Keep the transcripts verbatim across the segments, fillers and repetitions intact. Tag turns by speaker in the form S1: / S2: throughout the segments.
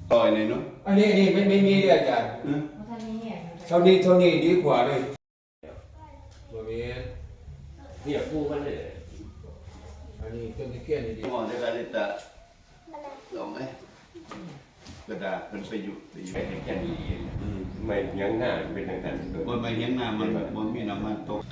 S1: ต่อยเลยเนาะ
S2: อันนี้อันนี้ไม่ไม่มีเลยอาจารย์เท่านี้เท่านี้ดีกว่าเลยบริเวณ
S3: เนี่ยกูมันเลย
S2: อันนี้ต้นตะเคียนนี่ดี
S1: มองได้การตะลองไหมกระดาษมันไปอยู่ไปอยู่
S3: ไม่แค่นี้ไม่ยังหน้าเป็นทางการ
S1: บนใบเฮียงน้ำมันบนมีน้ำมันตก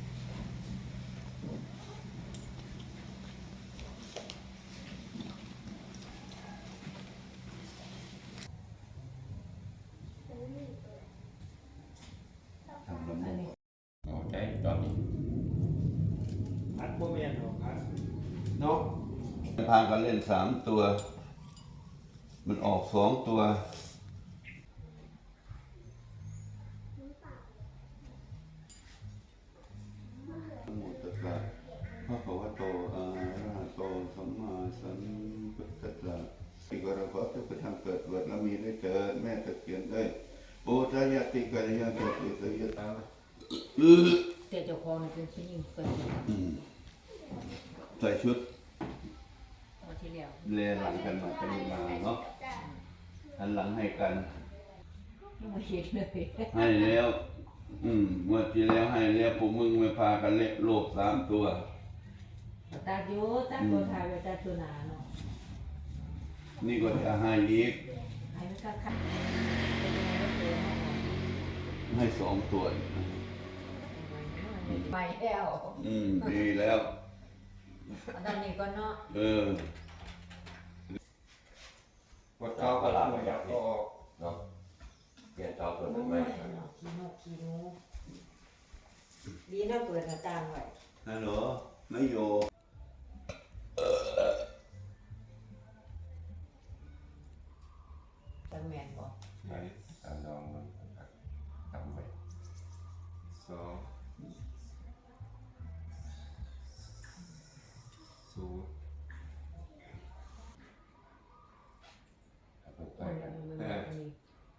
S1: ทำลำบาก
S3: เอาใจตอนนี้
S4: พัดโมเมนต์ของพัด
S1: เนาะพากันเล่นสามตัว มันออกสองตัวนะโมตัสสะภะคะวะโตอะระหะโตสัมมาสัมพุทธัสสะที่กระขอทุกทางเกิดเกิดแล้วมีได้เกิดแม่ตะเคียนได้ปูชายาติกัลยาณเกิดอิสยตาอือ
S5: แต่เจ้าของเป็นผู้หญิงเกิด
S1: อืมใส่ชุด
S5: ตอนที่แล้ว
S1: เรียนหลังกันมาเป็นมาเนาะหันหลังให้กัน
S5: ไม่เห็นเลย
S1: ให้แล้ว อืมเมื่อที่แล้วให้แล้วพวกมึงไม่พากันเละโลกสามตัว
S5: ตาโยตาตัวทายไปตาตัวหนาเนาะ
S1: นี่ก็จะให้อีก
S5: ให้มันก็ขัดเป็นยังไงก็ตัวเนาะ
S1: ให้สองตัวอีก
S5: ไปแล้ว
S1: อืมดีแล้ว
S5: ตอนนี้ก็เนาะ
S1: เออ
S3: วัดเท้าก็ลาไปจากนี้เนาะเปลี่ยนเท้าตัวนั้นไหม
S5: ขี้นกขี้นูดีนะเปิดหน้าต่างไว้
S1: ฮัลโหลไม่โย
S5: ตั้งแมนบอก
S3: ไหนตามน้องมันทำไป
S2: สองศูนย์
S3: ไป
S5: มัน
S3: กัน
S5: มันมันมี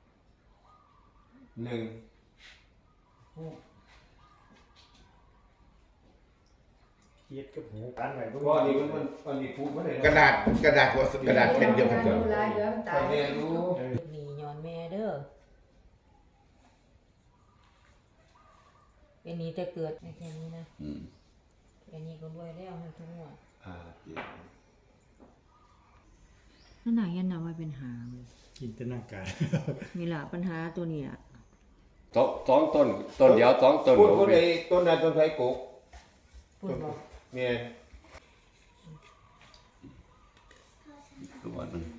S2: หนึ่ง
S5: หก
S4: เย็ดกับหูกันไว้
S2: ก็อันนี้มันมันอันนี้พูดไม่ได้
S6: กระดาษกระดาษหัวกระดาษแผ่นเดียวกัน
S5: เด้
S6: เด้
S5: อ
S6: อ
S5: ลายเดี๋ยวมันตา
S2: ตาย ยแม่รู้
S5: นี่ย้อนแม่เด้อเป็นนี้แต่เกิดในแค่นี้นะ
S1: อืม
S5: แค่นี้ก็รวยแล้วให้ทุกงวด
S1: อ่าเจ็ด
S5: นั่นน่ะยันนำมาเป็นหาเลย
S4: จินตนาการ
S5: มีละปัญหาตัวนี้อ่ะ
S3: สองสองต้นต้นเดียวสองต้น
S2: พูดคนไอ้ต้นนั้นต้นไทรกุก
S5: พูดบอก
S2: เมีย
S1: ตัวหนึง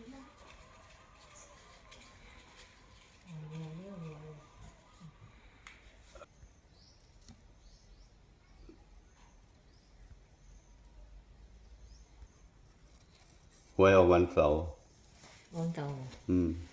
S1: หวยออกวันเสาร์
S5: วันเก่า
S1: อืม